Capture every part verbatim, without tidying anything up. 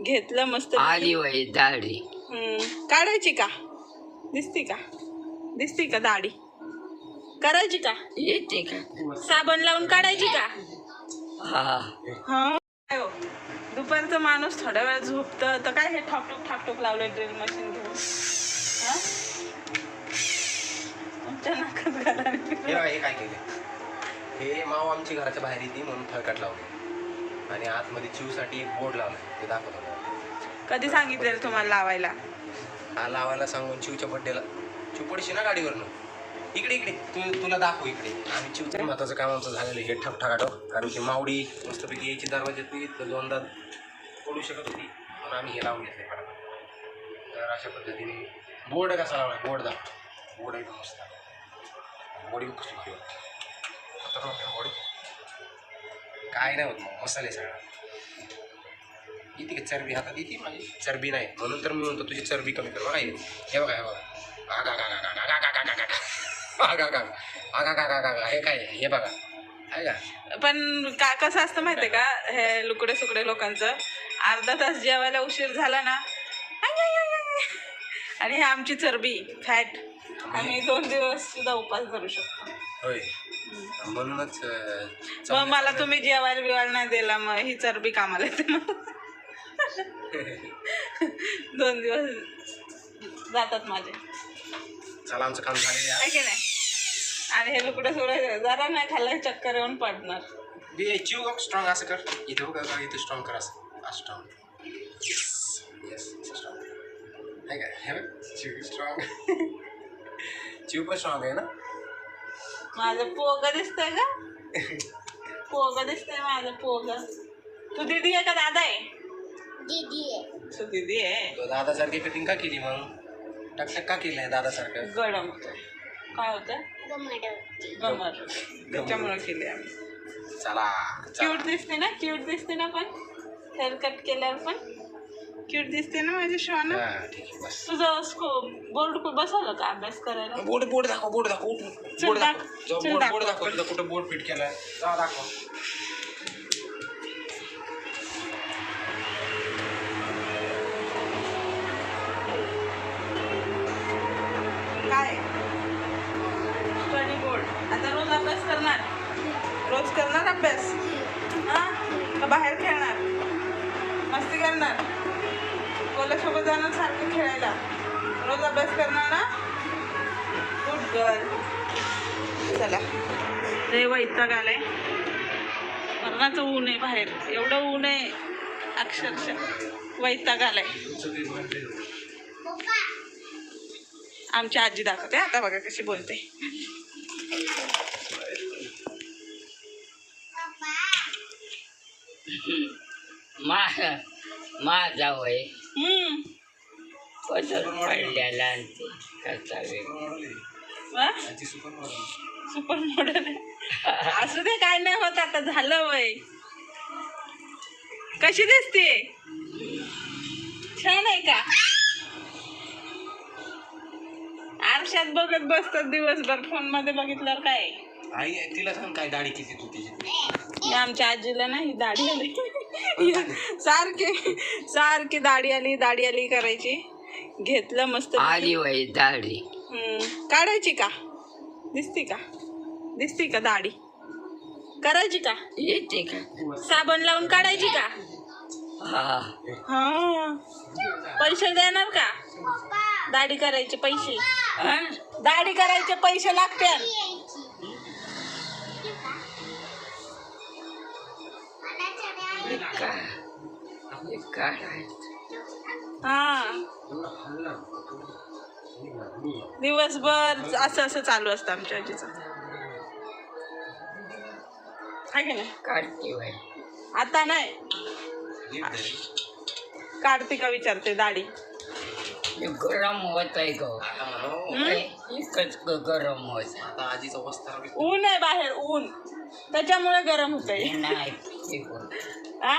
घेतलं मस्त आली वय दाढी. हम्म काढायची का? दिसती का? दिसती का दाढी? करायची का? येते का? साबण लावून काढायची का? हा हा दुपारचं माणूस थोड्या वेळ झोपतं तर काय हे ठाकटूक ठाकटूक लावलं ड्रिल मशीन घेऊन. हा? तुमच्या नाकात घालायला हे बघा, हे काय केले, हे माव आमची घराच्या बाहेर येते म्हणून फळकट लावले आणि आतमध्ये चिवसाठी एक बोर्ड लावलाय, ते दाखवतो. कधी सांगितलेलं तुम्हाला लावायला? हा लावायला सांगून चिवच्या बड्डेला. चिव पडशी ना गाडीवरनं, इकडे इकडे तू तुला दाखव इकडे. आणि चिवचं महत्वाचं काम आमचं झालेलं हे ठप ठाकाटो, कारण की मावडी मस्तपैकी यायची दरवाज्यात तर दोनदा पडू शकत होती म्हणून आम्ही हे लावून घेतले फटाफट. तर अशा पद्धतीने बोर्ड कसा लावलाय, बोर्ड दाखव. बोर्ड एकदम मस्त, बॉडी कसली भारी वाटते, खतरनाक आहे बॉडी. काय नाही होत मग, मसाले सगळा येते का चरबी हातात येते माझी, चरबी नाही म्हणून तर मी म्हणतो तुझी चरबी कमी कर. बघा हे बघा, हे बघा, आगा गा गा गा गा गा गा गा गा आगा गा आगा गा गा गा गा हे काय हे बघा आहे का. पण का कसं असतं माहितीये का, हे लुकडे सुकडे लोकांचं अर्धा तास जेवायला उशीर झाला ना आणि हे आमची चरबी फॅट, आम्ही दोन दिवस सुद्धा उपास करू शकतो. होय, म्हणूनच मग मला तुम्ही जेवायला बिवायला नाही दिला, मग ही चरबी कामाला येते मग. दोन दिवस जातात माझे. चला आमचं काम झालेलं आहे की नाही. आणि हे लुकडे सुकडे जरा नाही खाल्लं चक्कर येऊन पडणार. बी चिव स्ट्रॉंग असं कर, इथे बघा इथे स्ट्रॉंग कर, असं स्ट्रॉंग. येस स्ट्रॉंग आहे का, हे बघ चिव स्ट्रॉंग. चिव पण स्ट्रॉंग आहे ना. माझं पोग दिसतंय का? पोग दिसतंय माझं पोग. तू दीदी आहे का दादा आहे? दीदी आहे. तू दीदी आहे. तो दादासारखी कटिंग का केली मग, टकटक का केलंय दादासारखं? गडम काय होतं, गमड गमर, त्याच्यामुळे केली आम्ही. चला क्यूट दिसते ना, क्यूट दिसते ना, पण हेअर कट केल्यावर पण क्यूट दिसते ना माझी श्वाना. हा ठीक आहे बस. तुझं स्को बोर्ड बसवलं का अभ्यास करायला? बोर्ड बोर्ड दाखव, बोर्ड दाखव, बोर्ड दाखव, जाऊ चल बोर्ड दाखव. बोर्ड दाखव, तुझं कुठं बोर्ड फिट केलाय, जा दाखव. काय स्टडी बोर्ड. आता रोज अभ्यास करणार, रोज करणार अभ्यास. हा का बाहेर खेळणार, मस्ती करणार, कोल्यासोबत जाणार सारखं खेळायला, रोज अभ्यास करणार ना. Good girl. चला रे वैताग आलाय, मरणाचं ऊन आहे बाहेर, एवढं ऊन आहे अक्षरशः वैताग आलाय. आमची आजी दाखवते आता, बघा कशी बोलते. मा माझा वय हम्म पदर पडलेला आणि ते कसा वेगळा. सुपर मॉडल असू दे, काय नाही होत, आता झालं वय. कशी दिसते, छान आहे का? आरशात बघत बसतात दिवसभर, फोन मध्ये बघितल्यावर काय. आई तिला सांग काय दाढी किती तू तिची. आमच्या आजीला ना ही दाढी आली, सारखी सारखी दाढी आली दाढी आली करायची. घेतलं मस्त आली वय दाढी. हम्म काढायची का? दिसती का? दिसती का दाढी? करायची का? येते का? साबण लावून काढायची का? हा हा पैसे देणार का? दाढी करायचे पैसे, हा? दाढी करायचे पैसे लागतील. का हे काढायचं. हा दिवसभर असं असं चालू असतं आमच्या आजीचं, आहे की नाही. काढते वय आता नाही, काढते का विचारते दाढी. गरम होत आहे ग, एकच गरम होत. आता आजीचा वस्तार ऊन आहे बाहेर, ऊन, त्याच्यामुळे गरम होतंय. नाही आ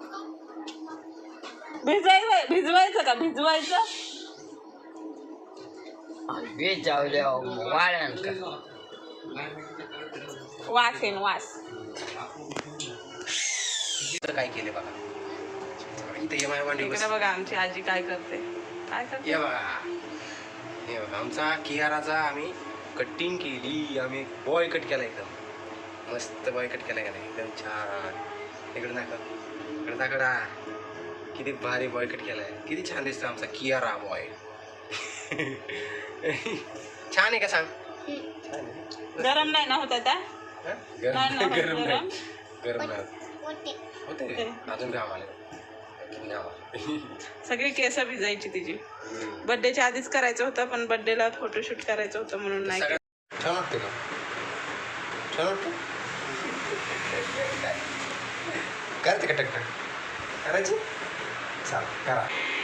भिजवायचं, भिजवायचं का भिजवायचं? भिजवल्या वाळण का, वास येईन वास. काय केले बघा, इथे ये माझ्या मांडी बस. इकडे बघा आमची आजी काय करते काय करते ये बघा हे बघा आमचा कियाराचा आम्ही कटिंग केली. आम्ही बॉय कट केला एकदम मस्त बॉय कट केला गेला एकदम छान. इकडे दाखव इकडे दाखवडा किती भारी बॉय कट केलाय. किती छान दिसतो आमचा कियारा बॉय. छान आहे का सांग. छान आहे. गरम नाही ना होत आता हा? नाही ना गरम होत गरम गरम नाही गरम नाही होते होते रे. अजून घाम आले किती घाम आले. सगळी केस भिजायची तिची. बर्थडेच्या आधीच करायचं होतं पण बर्थडेला फोटोशूट करायचं होतं म्हणून नाही केलं. छान वाटते का छान वाटतं करते का टकटक करायची चाल करा.